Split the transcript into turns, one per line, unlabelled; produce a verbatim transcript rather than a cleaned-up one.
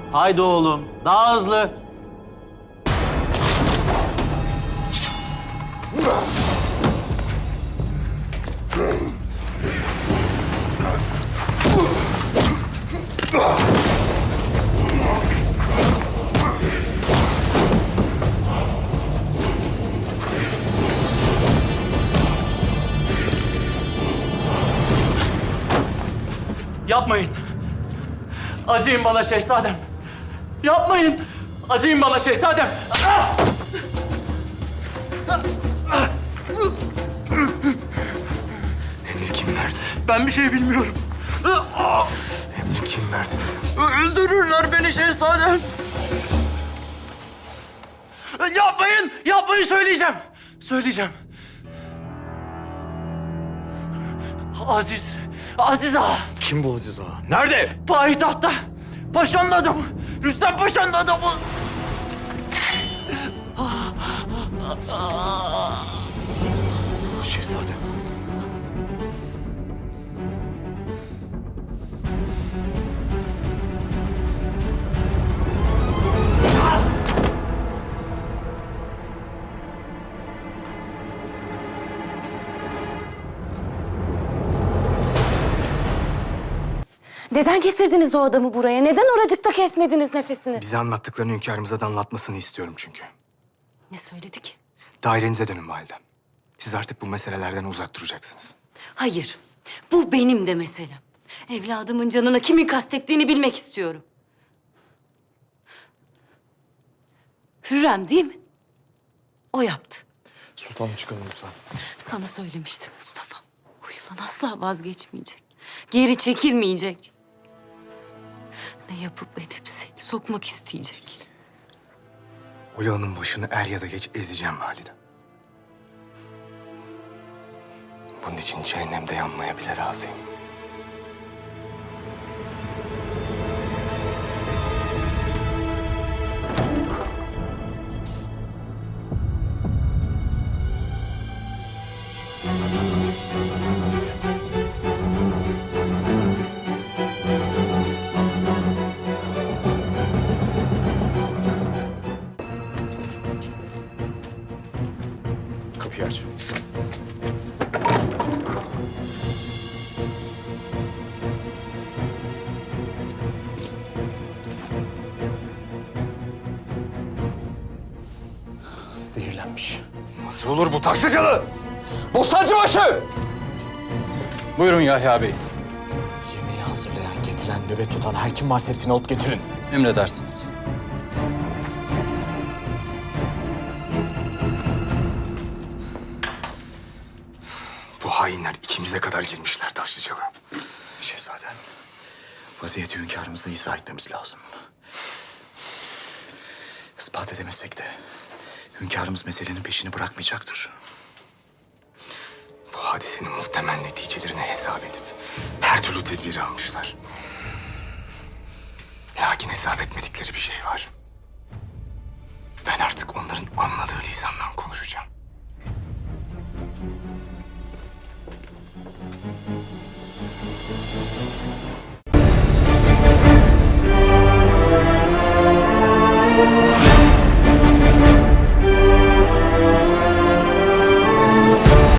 Haydi oğlum, daha hızlı.
Yapmayın. Acıyın bana şehzadem. Yapmayın. Acıyın bana şehzadem. Ah!
Emir kim verdi?
Ben bir şey bilmiyorum.
Emir kim verdi dedim.
Öldürürler beni şehzadem. Yapmayın. Yapmayın söyleyeceğim. Söyleyeceğim. Aziz. Aziz Ağa.
Kim bu Aziz Ağa? Nerede?
Payitahtta. Paşanın adamı. Rüstem Paşa'nın adamı.
Şehzadem.
Neden getirdiniz o adamı buraya? Neden oracıkta kesmediniz nefesini?
Bize anlattıklarını hünkârımıza da anlatmasını istiyorum çünkü.
Ne söyledi ki?
Dairenize dönün validem. Siz artık bu meselelerden uzak duracaksınız.
Hayır, bu benim de meselem. Evladımın canına kimin kastettiğini bilmek istiyorum. Hürrem değil mi? O yaptı.
Sultanım çıkalım lütfen.
Sana söylemiştim Mustafa. O yılan asla vazgeçmeyecek. Geri çekilmeyecek. Ne yapıp edip seni sokmak isteyecek.
O yılanın başını er ya da geç ezeceğim validem. Bunun için cehennemde yanmaya bile razıyım. Kapıyı aç. Zehirlenmiş. Nasıl olur bu Taşlıcalı? Bostancıbaşı!
Buyurun Yahya Bey.
Yemeği hazırlayan, getiren, nöbet tutan her kim varsa hepsini alıp getirin.
Emredersiniz.
Bu hainler içimize kadar girmişler Taşlıcalı. Şehzadem, vaziyeti hünkârımıza izah etmemiz lazım. İspat edemesek de hünkârımız meselenin peşini bırakmayacaktır. Bu hadisenin muhtemel neticelerini hesap edip her türlü tedbiri almışlar. Lakin hesap etmedikleri bir şey var. Ben artık onların anladığı lisandan konuşacağım.